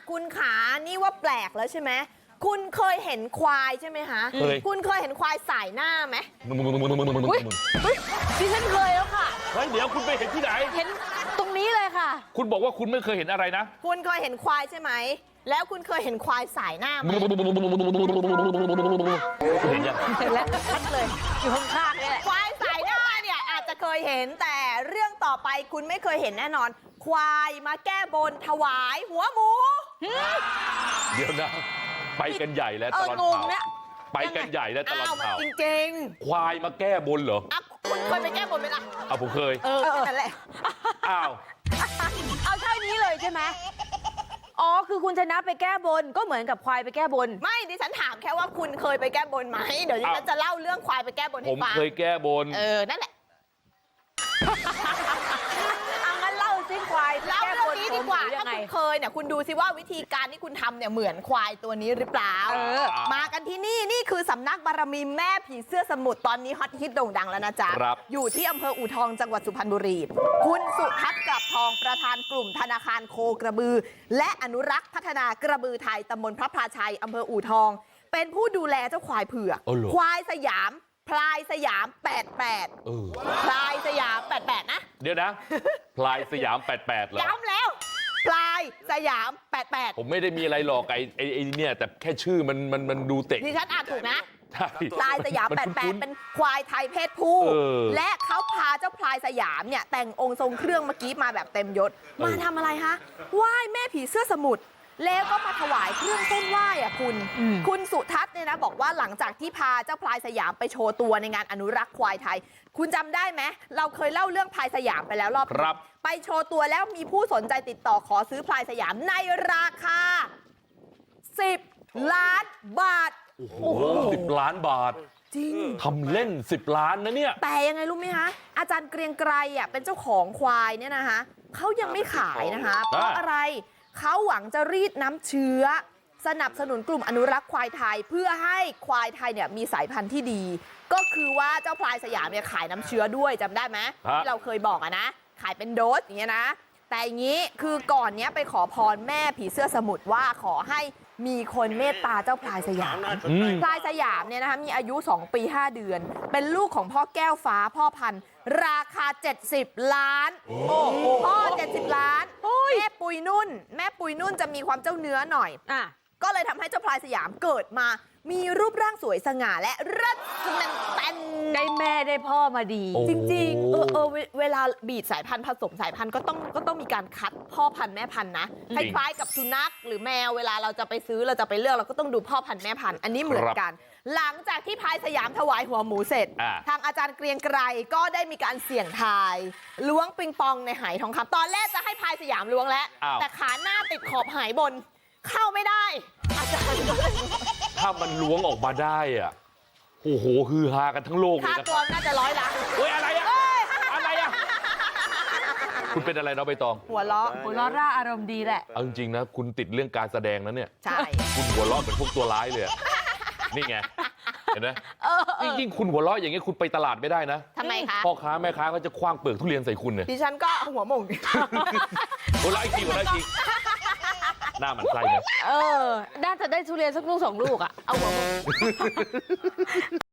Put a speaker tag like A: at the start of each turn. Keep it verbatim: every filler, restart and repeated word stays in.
A: คุณขานี่ว่าแปลกแล้วใช่ไหมคุณเคยเห็นควายใช่ไหมคะเคยคุณเคยเห็นควายสายหน้าไหม
B: อุ้ยดิฉันเคยแล้วค่ะ
C: เฮ้ยเดี๋ยวคุณไปเห็นที่ไหน
B: เห็นตรงนี้เลยค่ะ
C: คุณบอกว่าคุณไม่เคยเห็นอะไรนะ
A: คุณเคยเห็นควายใช่ไหมแล้วคุณเคยเห็นควายสายหน้าไหม
C: เห็นยัง
B: เห็นแล้วชัดเลยอยู่ข้างๆนี่แหละ
A: ควายสายหน้าเนี่ยอาจจะเคยเห็นแต่เรื่องต่อไปคุณไม่เคยเห็นแน่นอนควายมาแก้บนถวายหัวหมู
C: เดี๋ยวนะไปกันใหญ่แล้วตลอดข่าวไปกันใหญ่แล้วตลอดข่าว
A: จริง
C: ๆควายมาแก้บนเหรอ
A: คุณเคยไปแก้บนไหมล่ะ
C: อ่ะผมเคย
A: เออนั่นแหละ
C: อ้าว
B: เอาเท่านี้เลยใช่ไหมอ๋อคือคุณชนะไปแก้บนก็เหมือนกับควายไปแก้บน
A: ไม่ดิฉันถามแค่ว่าคุณเคยไปแก้บนไหมเดี๋ยวดิฉันจะเล่าเรื่องควายไปแก้บนให้
C: ฟังผมเคยแก้บน
A: เออนั่นแหละ
B: เอางั้นเล่าซิควาย
A: เล่าเรื่องนี้ดีกว่าถ้าคุณเคยเนี่ยคุณดูซิว่าวิธีการที่คุณทำเนี่ยเหมือนควายตัวนี้หรือเปล่ามากันที่นี่นี่คือสำนักบารมีแม่ผีเสื้อสมุทรตอนนี้ฮอตฮิตโด่งดังแล้วนะจ๊ะอยู่ที่อำเภออู่ทองจังหวัดสุพรรณบุรีคุณสุทัศน์กลับทองประธานกลุ่มธนาคารโคกระบือและอนุรักษ์พัฒนากระบือไทยตำบลพระพลาชัยอำเภออู่ทองเป็นผู้ดูแลเจ้าควายเผือกควายสยามพลายสยามแปดแปดพลายสยามแปดแปดนะ
C: เดี๋ยวนะพลายสยามแปดแปดเหรอ
A: ย้ำแล้วพลายสยามแปดแปด
C: ผมไม่ได้มีอะไรหรอกไอ้ไอ้ไอ้เนี่ยแต่แค่ชื่อมันมันมันดูเตะ
A: ดิฉันอ่านถูกนะ
C: ใช่
A: พลายสยามแปดแปดเป็นควายไทยเพศผู้และเขาพาเจ้าพลายสยามเนี่ยแต่งองค์ทรงเครื่องเมื่อกี้มาแบบเต็มยศมาทำอะไรคะไหว้แม่ผีเสื้อสมุทรแล้วก็มาถวายเครื่องเส้นไหว้อ่ะคุณคุณสุทัศน์เนี่ยนะบอกว่าหลังจากที่พาเจ้าพลายสยามไปโชว์ตัวในงานอนุรักษ์ควายไทยคุณจำได้ไหมเราเคยเล่าเรื่องพลายสยามไปแล้วรอบ
C: ครับ
A: ไปโชว์ตัวแล้วมีผู้สนใจติดต่อขอซื้อพลายสยามในราคาสิบล้านบาท
C: โอ้โหสิบล้านบาท
A: จริง
C: ทำเล่นสิบล้านนะเนี่ย
A: แต่ยังไงรู้ไหมคะอาจารย์เกรียงไกรอ่ะเป็นเจ้าของควายเนี่ยนะคะเขายังไม่ขายนะคะเพราะอะไรเขาหวังจะรีดน้ำเชื้อสนับสนุนกลุ่มอนุรักษ์ควายไทยเพื่อให้ควายไทยเนี่ยมีสายพันธุ์ที่ดีก็คือว่าเจ้าพลายสยามเนี่ยขายน้ำเชื้อด้วยจำได้ไหมที่เราเคยบอกอะนะขายเป็นโดสอย่างเงี้ยนะแต่อย่างนี้คือก่อนเนี้ยไปขอพรแม่ผีเสื้อสมุทรว่าขอให้มีคนเมตตาเจ้าพลายสยามพลายสยามเนี่ยนะคะมีอายุสองปีห้าเดือนเป็นลูกของพ่อแก้วฟ้าพ่อพันธุ์ราคาเจ็ดสิบล้านโอ้โหพ่อเจ็ดสิบล้านแม่ปุยนุ่นแม่ปุยนุ่นจะมีความเจ้าเนื้อหน่อยอ่ะก็เลยทำให้เจ้าพลายสยามเกิดมามีรูปร่างสวยสง่าและรัดแน่นเต้น
B: ได้แม่ได้พ่อมาดี
A: จริงๆเออเออเวลาบีดสายพันธุ์ผสมสายพันธุ์ก็ต้องก็ต้องมีการคัดพ่อพันธุ์แม่พันธุ์นะคล้ายๆกับสุนัขหรือแมวเวลาเราจะไปซื้อเราจะไปเลือกเราก็ต้องดูพ่อพันธุ์แม่พันธุ์อันนี้เหมือนกันหลังจากที่พลายสยามถวายหัวหมูเสร็จทางอาจารย์เกรียงไกรก็ได้มีการเสี่ยงทายล้วงปิงปองในไหทองคำตอนแรกจะให้พลายสยามล้วงแล้วแต่ขาหน้าติดขอบไหบนเข้าไม่ได้อาจารย์
C: ถ้ามันล้วงออกมาได้อ่ะโอ้โหฮือฮากันทั้งโลกเลยนะ
A: ค่าตัวน่าจะร้อยล้าน
C: เฮ้ยอะไรอ่ะอะไรอ่ะคุณเป็นอะไรเนาะใบตอง
A: หัวเราะ
B: หัวเราะร่าอารมณ์ดีแหละ
C: เอาจริงๆนะคุณติดเรื่องการแสดงนะเนี่ย
A: ใช่
C: คุณหัวเราะเหมือนพวกตัวร้ายเลยนี่ไงเห็นไหมยิ่งคุณหัวเราะอย่างเงี้ยคุณไปตลาดไม่ได้นะ
A: ทำไมคะ
C: พ่อค้าแม่ค้าก็จะคว้างเปลือกทุเรียนใส่คุณเนี่ย
A: ดิฉันก็หัวหม่ง
C: หัวเราะอีกทีหัวเราะอีกทีหน้ามันไส้ไหม
B: เออน่าจะได้ทุเรียนสักลูกสองลูกอ่ะเอาหัวหม่ง